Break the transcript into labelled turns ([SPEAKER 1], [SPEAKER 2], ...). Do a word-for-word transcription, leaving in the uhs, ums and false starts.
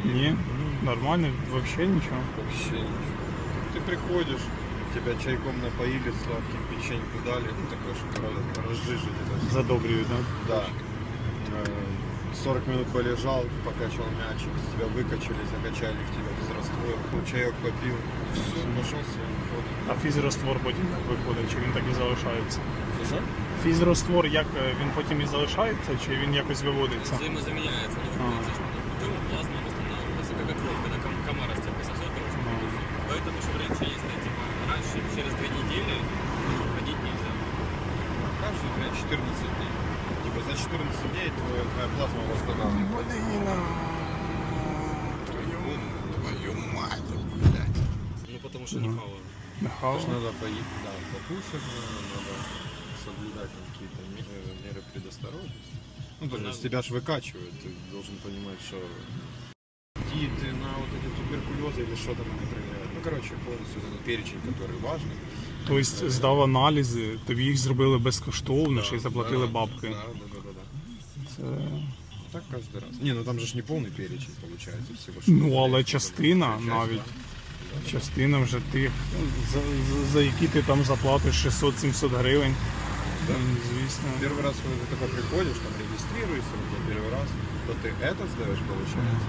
[SPEAKER 1] Не, нормально, вообще ничего.
[SPEAKER 2] Вообще ничего. Ты приходишь, тебя чайком напоили, сладким печеньку дали, ну такое, чтобы разжижить это все.
[SPEAKER 1] Задобривают, да?
[SPEAKER 2] Да. сорок минут полежал, покачал мячик, с тебя выкачали, закачали в тебя физраствор, ну, чайок попил, все, пошел своим ходом.
[SPEAKER 1] А фізраствор потім як виходить, чи він так і залишається?
[SPEAKER 2] Что?
[SPEAKER 1] Фізраствор, як е, він потім і залишається, чи він якось виводиться?
[SPEAKER 3] Взаимозаменяется, но
[SPEAKER 1] А.
[SPEAKER 3] естественным путем плазма восстанавливается, как кровь, когда ком- комара с тебя пососет, короче,
[SPEAKER 1] А.
[SPEAKER 3] поэтому что раньше, если типа раньше через две недели ходить нельзя.
[SPEAKER 2] Каждые дня четырнадцать дней. Типа за четырнадцать дней твоя, твоя плазма восстанавливается.
[SPEAKER 1] Твою мать, блядь.
[SPEAKER 3] Ну потому что не хаваю.
[SPEAKER 2] Потому что надо поесть, да, покушать, надо, надо соблюдать там какие-то меры, меры предосторожности. Ну, то есть тебя ж выкачивают, ты должен понимать, что идти ты на вот эти туберкулезы или что там они проверяют. Ну, короче, полностью этот перечень, который важный.
[SPEAKER 1] Тобто здав аналізи, тобі їх зробили безкоштовно, ще й заплатили
[SPEAKER 2] Да,
[SPEAKER 1] бабки.
[SPEAKER 2] Да, да, да, да, да.
[SPEAKER 1] Це...
[SPEAKER 2] Так каждый раз. Не, ну там же ж не полный перечень получается всего. что
[SPEAKER 1] Ну, але
[SPEAKER 2] есть,
[SPEAKER 1] частина
[SPEAKER 2] часть,
[SPEAKER 1] навіть.
[SPEAKER 2] да.
[SPEAKER 1] Частина вже тих, за, за, за які ти там заплатиш шістсот-сімсот гривень.
[SPEAKER 2] Да.
[SPEAKER 1] М, Звісно.
[SPEAKER 2] Первый раз, когда ты только приходишь, там регистрируешься, вот, первый раз, то ты это сдаешь, получается.